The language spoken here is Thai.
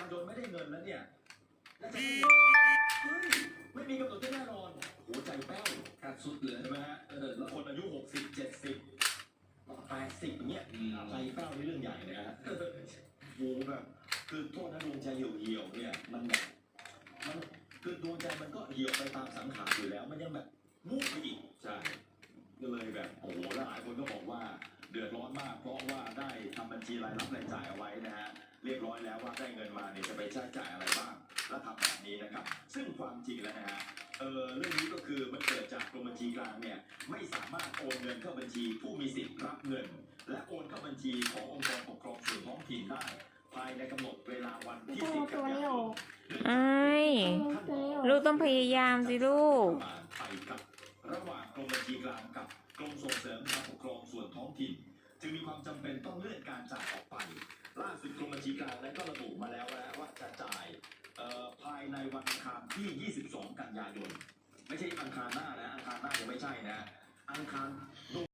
ยนไม่ได้เงินแล้วเนี่ยแล้วจะเฮ้ยไม่มีกำหนดที่แน่นอนหัวใจแป้วการสุดเลยใช่ไหมฮะแล้วคนอายุ60 70 80เนี่ยใจแป้วนี่เรื่องใหญ่นะฮะโอ้แบบคือโทษนะดวงใจเหี่ยวเนี่ยมันแบบมันคือดวงใจมันก็เหี่ยวไปตามสังขารอยู่แล้วมันยังแบบมุ่งไปอีกใช่ก็เลยแบบโอ้โหหลายคนก็บอกว่าเดือดร้อนมากเพราะว่าได้ทำบัญชีรายรับรายจ่ายเอาไว้นะฮะเรียบร้อยแล้วว่าได้เงินมาเนี่ยจะไปใช้จ่ายอะไรบ้างแล้วทำแบบนี้นะครับซึ่งความจริงแล้วนะฮะเรื่องนี้ก็คือมันเกิดจากกรมบัญชีกลางเนี่ยไม่สามารถโอนเงินเข้าบัญชีผู้มีสิทธิ์รับเงินและโอนเข้าบัญชีขององค์กรปกครองส่วนท้องถิ่นได้ภายในกำหนดเวลาวันที่10 กันยายนไอ้ลูกต้องพยายามสิลูกไปกับระหว่างกรมบัญชีกลางกับกรมส่งเสริมการปกครองส่วนท้องถิ่นจึงมีความจำเป็นต้องเลื่อนการจ่ายออกไปล่าสุดกรมบัญชีกลางนั้นก็ระบุมาแล้วว่าจะจ่ายภายในวันอังคารที่ 22 กันยายนไม่ใช่อังคารหน้านะอังคารหน้ายังไม่ใช่นะอังคาร